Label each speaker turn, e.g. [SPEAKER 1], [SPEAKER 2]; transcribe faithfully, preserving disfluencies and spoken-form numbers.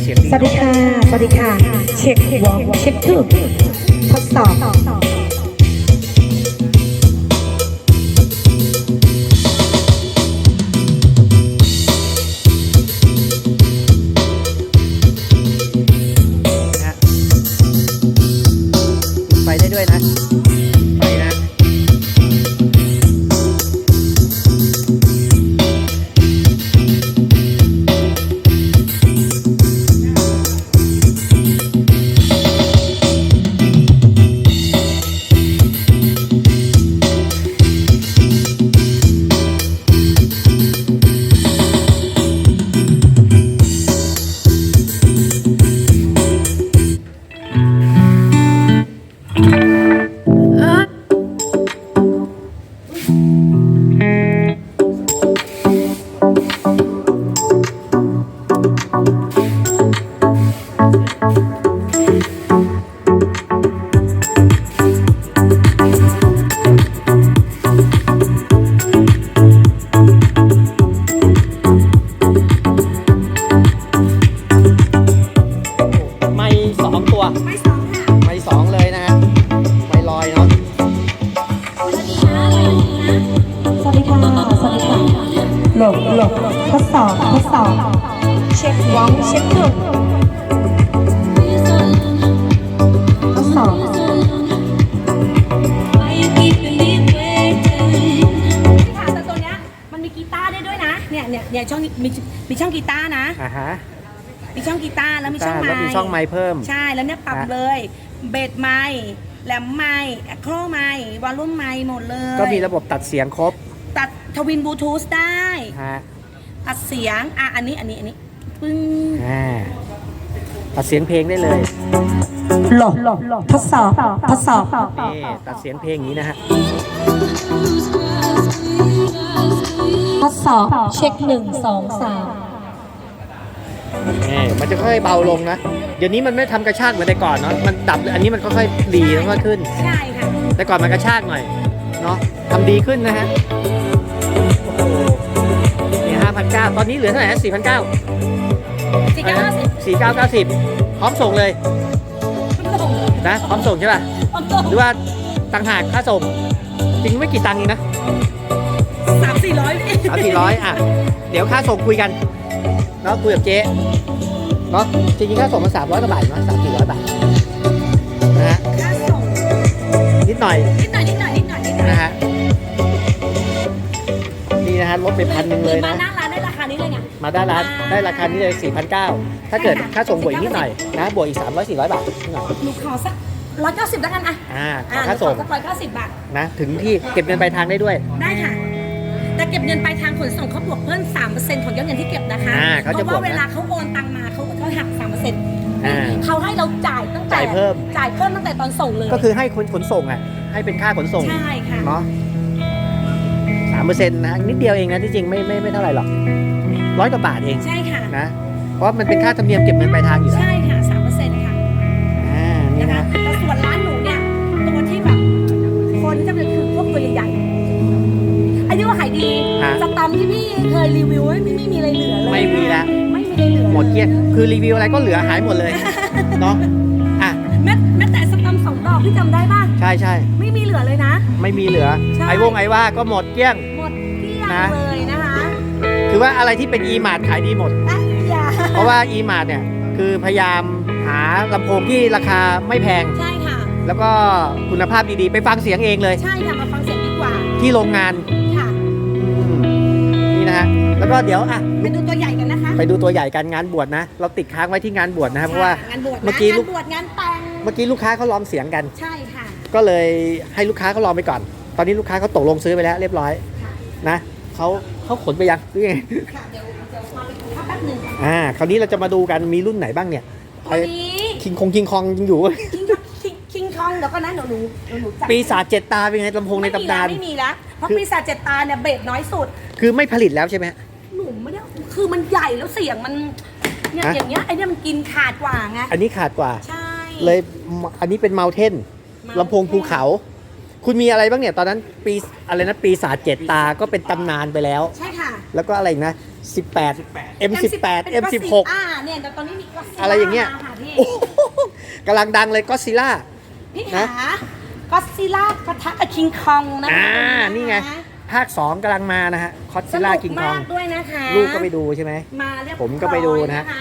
[SPEAKER 1] สียงดี
[SPEAKER 2] สวัสดีค่ะ สวัสดีค่ะ เช็ควอล์กเช็คทูทดสอบ
[SPEAKER 1] นะไปได้ด้วยนะไปนะไม่สองตัวไม่สองค่ะไม่สองเลยนะฮะไม่ลอยเนาะ
[SPEAKER 2] สวัสดีค่ะ สวัสดีค่ะหลบหลบทดสอบทดสอบเช็ควอล์กเช็คทูทดสอบ
[SPEAKER 3] แต่ตัวเนี้ยมันมีกีตาร์ได้ด้วยนะเนี่ยเนี่ยเนี่ยช่องมีมีช่องกีตาร์นะ
[SPEAKER 1] อ่าฮะ
[SPEAKER 3] มีช่องกีตาร์แล้วมีช่องไม
[SPEAKER 1] แล้วมี
[SPEAKER 3] ค์
[SPEAKER 1] ช่องไมค์เพิ่ม
[SPEAKER 3] ใช่แล้วเนี่ยปรับ
[SPEAKER 1] ฮะ
[SPEAKER 3] เลยเบสไมค์แหลมไมค์แอคโครไมค์วอลลุ่มไมค์หมดเลย
[SPEAKER 1] ก็มีระบบตัดเสียงครบ
[SPEAKER 3] ตัดทวินบลูทูธได้
[SPEAKER 1] ฮะ
[SPEAKER 3] ตัดเสียงอ่ะอันนี้อันนี้อันนี้ปึ้ง
[SPEAKER 1] อ่าตัดเสียงเพลงได้เลย
[SPEAKER 2] หลบหลบหลบทดสอบทดสอบ
[SPEAKER 1] นี่ตัดเสียงเพลงอย่างนี้นะฮะ
[SPEAKER 2] ทดสอบเช็คหนึ่งสองสาม
[SPEAKER 1] นี่มันจะค่อยๆเบาลงนะ เดี๋ยวนี้มันไม่ทำกระชากเหมือนแต่ก่อนเนาะ มันดับ อันนี้มันค่อยๆดีแล้วก็ขึ้น
[SPEAKER 3] ใช่ค่ะ
[SPEAKER 1] แต่ก่อนมันกระชากหน่อย เนาะทำดีขึ้นนะฮะ โอ้โหนี่ห้าพันเก้าตอนนี้เหลือเท่าไหร่สี่พันเก้า
[SPEAKER 3] สี่เก้าห้าสิบ
[SPEAKER 1] สี่เก้าเก้าสิบพร้อมส่งเลยนะ พร้อมส่งใช่ป่ะ หรือว่าต่างหากค่าส่ง จริงไม่กี่ตังค์เองนะ
[SPEAKER 3] สามสี่ร้อย
[SPEAKER 1] สามสี่ร้อยอ่ะ เดี๋ยวค่าส่งคุยกันเนาะคุยกับเจ๊เนาะจริงๆค่าส่งมันสามร้อยกว่าบาทมั้งสามสี่ร้อยบาทนะฮะ
[SPEAKER 3] ค่าส่ง
[SPEAKER 1] นิดหน่อย
[SPEAKER 3] นิดหน่อยนิดหน่อยนิดหน่อยนิดหน่อย
[SPEAKER 1] นะฮะนี่นะฮะลดไปพันหนึ่งเลย
[SPEAKER 3] มา
[SPEAKER 1] นะ
[SPEAKER 3] หน้าร้านได้ราคานี้เลยเนี่ย
[SPEAKER 1] มาได้ร้านได้ราคานี้เลย สี่พันเก้าร้อย ถ้าเกิดค่าส่งบวกอีกนิดหน่อยนะบวกอีกสามร้อย สี่ร้อยบาทนิดหน่อย
[SPEAKER 3] หนูขอสักร้อยเก้าสิบแล้วกันอ่ะ
[SPEAKER 1] อ่าขอ
[SPEAKER 3] อ่า
[SPEAKER 1] ค่าส่ง
[SPEAKER 3] ร้อยเก้าสิบบาท
[SPEAKER 1] นะถึงที่เก็บเงินปลายทางได้ด้วย
[SPEAKER 3] ได้ค่ะ แต่เก็บเงินปลายทางขนส่งเขาบวกเพิ่มสามเปอร์เซ็นต์ของยอดเงินที่เก็บนะคะ
[SPEAKER 1] อ่าเขาจะ
[SPEAKER 3] เพราะว่า
[SPEAKER 1] บวกนะ
[SPEAKER 3] เวลาเขาโอนตังมาเขาเขาหักสามเปอร์เซ็นต์
[SPEAKER 1] อ่า
[SPEAKER 3] เขาให้เราจ่ายตั้งแต่
[SPEAKER 1] จ่ายเพิ่ม
[SPEAKER 3] จ่ายเพิ่มตั้งแต่ตอนส่งเลย
[SPEAKER 1] ก็คือให้คนขนส่งอ่ะให้เป็นค่าขนส่ง
[SPEAKER 3] ใช่ค่ะ
[SPEAKER 1] เนาะสามเปอร์เซ็นต์นะนิดเดียวเองนะที่จริงไม่ไม่ไม่เท่าไหร่หรอกร้อยกว่าบาทเอง
[SPEAKER 3] ใช่ค่ะ
[SPEAKER 1] นะเพราะมันเป็นค่าธรรมเนียมเก็บเงินปลายทางอยู่แล้ว
[SPEAKER 3] ใช่ค่ะสามเปอร์เซ็นต์ค่ะ
[SPEAKER 1] อ่านี่
[SPEAKER 3] นะคะ
[SPEAKER 1] นะ
[SPEAKER 3] แต่ส่วนร้านหนูเนี่ยตัวที่แบบคนจะเป็นคือพวกตัวใหญ่ๆอันนี้ว่าขายดี
[SPEAKER 1] ฮะ
[SPEAKER 3] สตัมที่พี่เคยรีวิวไม่ไม่มีอะไรเหลือเลย
[SPEAKER 1] ไม่มีละ
[SPEAKER 3] ไม่มีอะไรเหลือ
[SPEAKER 1] หมดเกลี้ยงคือรีวิวอะไรก็เหลือหายหมดเลยเนาะอ่ะ
[SPEAKER 3] แม้แม้แต่สตัมสองดอกพี่จำได้ป่ะ
[SPEAKER 1] ใช่ใช่
[SPEAKER 3] ไม่มีเหลือเลยนะ
[SPEAKER 1] ไม่มีเหลือ
[SPEAKER 3] ใช่
[SPEAKER 1] ไอ้วงไอ้ว่าก็หมดเกลี้ยง
[SPEAKER 3] หมดเกลี้ยง
[SPEAKER 1] นะ
[SPEAKER 3] เลยนะคะ
[SPEAKER 1] คือว่าอะไรที่เป็น e มาร์ทขายดีหมด
[SPEAKER 3] อ่ะอย่า
[SPEAKER 1] เพราะว่า e มาร์ทเนี่ยคือพยายามหาลำโพงที่ราคาไม่แพง
[SPEAKER 3] ใช่ค่ะ
[SPEAKER 1] แล้วก็คุณภาพดีๆ ไปฟังเสียงเองเลย
[SPEAKER 3] ใช่ค่ะมาฟังเสียงดีกว่า
[SPEAKER 1] ที่โรงงาน
[SPEAKER 3] ค่ะ
[SPEAKER 1] อืมนี่นะฮะแล้วก็เดี๋ยวอ่ะ
[SPEAKER 3] ไปดูตัวใหญ่กันนะคะ
[SPEAKER 1] ไปดูตัวใหญ่กันงานบวชนะ เราติดค้างไว้ที่งานบวชนะครับเพราะว่า
[SPEAKER 3] งานบวชนะ
[SPEAKER 1] เมื่อกี้
[SPEAKER 3] งา
[SPEAKER 1] ลู
[SPEAKER 3] น
[SPEAKER 1] ก
[SPEAKER 3] บวชงานแต่ง
[SPEAKER 1] เมื่อกี้ลูกค้าเขาลองเสียงกัน
[SPEAKER 3] ใช่ค่ะ
[SPEAKER 1] ก็เลยให้ลูกค้าเขาลองไปก่อน ตอนนี้ลูกค้าเขาตกลงซื้อไปแล้วเรียบร้อย
[SPEAKER 3] ค่ะ
[SPEAKER 1] นะเขาเขาขนไปยังหรือไง
[SPEAKER 3] ค่ะเดี๋ยวเดี๋ยวมาไปดูแป๊บหนึง
[SPEAKER 1] อ่าคราวนี้เราจะมาดูกันมีรุ่นไหนบ้างเนี่ย
[SPEAKER 3] ตัวนี้
[SPEAKER 1] คิงคงคิงคองยังอยู่
[SPEAKER 3] คิงคิงคิงคองเดี๋ยวก็นะหนูหนูหนูหนูจับ
[SPEAKER 1] ปีศาจเจ็ดตาเป็นไงลำโพงในตำนาน
[SPEAKER 3] ไม่มีแล้วเพราะ
[SPEAKER 1] คือ
[SPEAKER 3] ปีศาจเจ็ดตาเนี่ยเบสน้อยสุด
[SPEAKER 1] คือไม่ผลิตแล้วใช่ไหม
[SPEAKER 3] หนูไม่ได้คือมันใหญ่แล้วเสียงมันเนี่ย
[SPEAKER 1] ฮะ
[SPEAKER 3] อย่างเงี้ยไอเนี่ยมันกินขาดกว่าไง
[SPEAKER 1] อันนี้ขาดกว่า
[SPEAKER 3] ใช่
[SPEAKER 1] เลยอันนี้เป็นเม u เทนลำโพงภูเขา คุณมีอะไรบ้างเนี่ยตอนนั้นปีอะไรนะปีศาจเจ็ดตาก็เป็นตำนานไปแล้ว
[SPEAKER 3] ใช่ค่ะ
[SPEAKER 1] แล้วก็อะไรอีกนะสิบแปด เอ็ม สิบแปด เอ็ม สิบหก
[SPEAKER 3] อ่าเนี่ยแต่ตอนนี้มีก็อดซิลล่า
[SPEAKER 1] อะไรอย่างเงี้ย
[SPEAKER 3] มาค่ะพี่
[SPEAKER 1] โอ้โหกำลังดังเลยก็ซิล่า
[SPEAKER 3] พี่
[SPEAKER 1] นะ
[SPEAKER 3] หาก็อดซิลล่าปะทะกับคิงคองนะคะ
[SPEAKER 1] อ่า นี่ไง ภาคสองกำลังมานะฮะคอสซิล่าคิงคอง
[SPEAKER 3] สนุกมากด้วยนะคะ
[SPEAKER 1] ลูกก็ไปดูใช่ไหม
[SPEAKER 3] มาเรียบร้อย
[SPEAKER 1] ผมก็ไปดูนะฮะ
[SPEAKER 3] ค